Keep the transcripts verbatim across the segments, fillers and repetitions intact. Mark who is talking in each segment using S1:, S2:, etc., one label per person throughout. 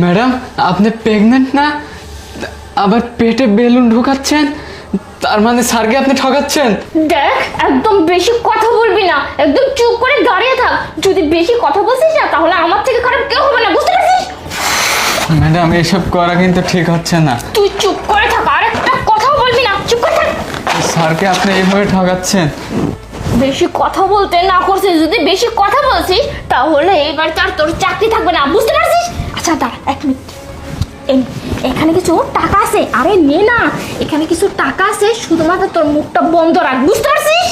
S1: Madam আপনি pregnant না, আবার পেটে বেলুন ঢোকাচ্ছেন, তার মানে স্যারকে আপনি ঠকাচ্ছেন।
S2: দেখ একদম বেশি কথা বলবি না, একদম চুপ করে দাঁড়িয়ে থাক। যদি বেশি কথা বলছিস না তাহলে আমার থেকে খারাপ কেউ হবে না, বুঝতে পারছিস?
S1: ম্যাডাম এসব করা কিন্তু ঠিক হচ্ছে না।
S2: তুই চুপ করে থাক, আর একটা কথাও বলবি না, চুপ করে থাক।
S1: স্যারকে আপনি এইভাবে ঠকাচ্ছেন।
S2: বেশি কথা বলতে না করছিস, যদি বেশি কথা বলছিস তাহলে এবার তার তোর চাকরি থাকবে না, বুঝতে পারছিস? আচ্ছা দাঁড়া এক মিনিট, এই- এখানে কিছু টাকা আছে, আরে নে না, এখানে কিছু টাকা আছে, শুধুমাত্র তোর মুখটা বন্ধ রাখ, বুঝতে পারছিস?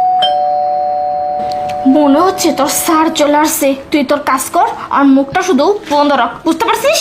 S2: মনে হচ্ছে তোর স্যার চলে আসছে, তুই তোর কাজ কর আর মুখটা শুধু বন্ধ রাখ, বুঝতে পারছিস?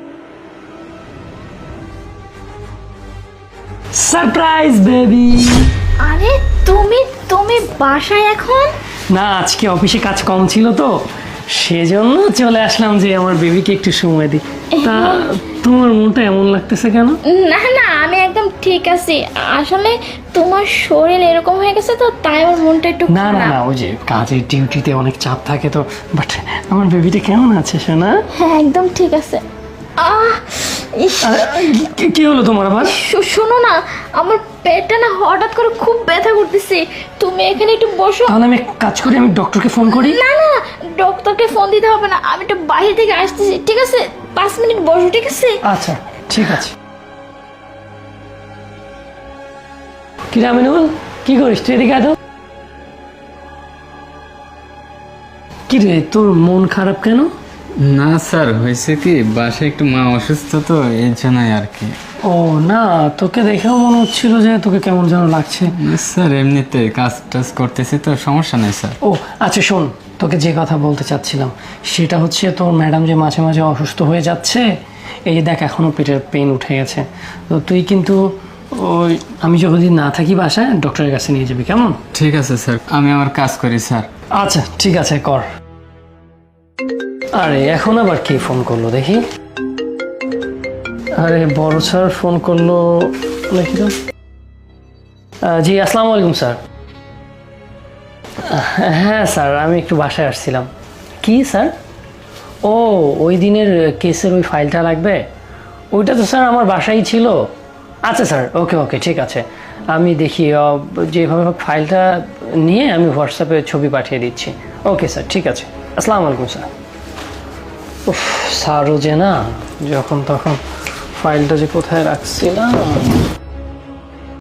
S3: Surprise baby.
S2: আরে তুমি তুমি বাসায় এখন?
S3: না আজকে অফিসে কাজ কম ছিল তো সেজন্য চলে আসলাম যে আমার বেবিকে একটু সময় দিই। তা তোমার মনটা এমন লাগতেছে কেন?
S2: না না আমি একদম ঠিক আছি, আসলে তোমার শরীর এরকম হয়ে গেছে তো তাই আমার মনটা একটু
S3: না না না ওই যে কাজের ডিউটিতে অনেক চাপ থাকে তো। বাট আমার বেবিটা কেমন আছে সোনা?
S2: হ্যাঁ একদম ঠিক আছে। আহ ইস,
S3: আরে, কি- কি হলো তোমার আবার?
S2: শো- শোনো না, আমার পেটটা না হঠাৎ করে খুব ব্যথা করতেছে, তুমি এখানে একটু বসো।
S3: তাহলে আমি এক কাজ করি, আমি ডক্টরকে ফোন করি।
S2: না না ডক্টরকে ফোন দিতে হবে না, আমি একটু বাইরে থেকে আসতেছি, ঠিক আছে? পাঁচ মিনিট বসো, ঠিক আছে?
S3: আচ্ছা ঠিক আছে। কি রে আমিনুল, কি করিস তুই? এদিকে আয় তো। কি রে তোর মন খারাপ কেন?
S1: না স্যার, হয়েছে কি বাসায় একটু মা অসুস্থ তো এই জন্যই আর কি।
S3: ও না, তোকে দেখেও মনে হচ্ছিল যে তোকে কেমন যেন লাগছে।
S1: স্যার এমনিতে কাজ টাজ করতেছি তো, সমস্যা নেই স্যার।
S3: ও আচ্ছা শোন, তোকে যে কথা বলতে চাচ্ছিলাম সেটা হচ্ছে তোর ম্যাডাম যে মাঝে মাঝে অসুস্থ হয়ে যাচ্ছে, এই যে দেখ এখনও পেটের পেন উঠে গেছে, তো তুই কিন্তু ওই আমি যতদিন না থাকি বাসায় ডক্টরের কাছে নিয়ে যাবি, কেমন?
S1: ঠিক আছে স্যার, আমি আমার কাজ করি স্যার।
S3: আচ্ছা ঠিক আছে কর। আরে এখন আবার কে ফোন করলো দেখি? আরে বড় স্যার ফোন করলো দেখি তো। আহ, জি আসসালামু আলাইকুম স্যার। হ্যাঁ স্যার আমি একটু বাসায় আসছিলাম। কি স্যার? ও ওই দিনের কেসের ওই ফাইলটা লাগবে? ওইটা তো স্যার আমার বাসায় ছিল। আচ্ছা স্যার ওকে ওকে ঠিক আছে, আমি দেখি আহ, যেভাবে হোক ফাইলটা নিয়ে আমি হোয়াটসঅ্যাপে ছবি পাঠিয়ে দিচ্ছি। ওকে স্যার ঠিক আছে, আসসালামু আলাইকুম স্যার। উফ স্যারও যে না যখন তখন ফাইলটা যে কোথায় রাখছিলাম।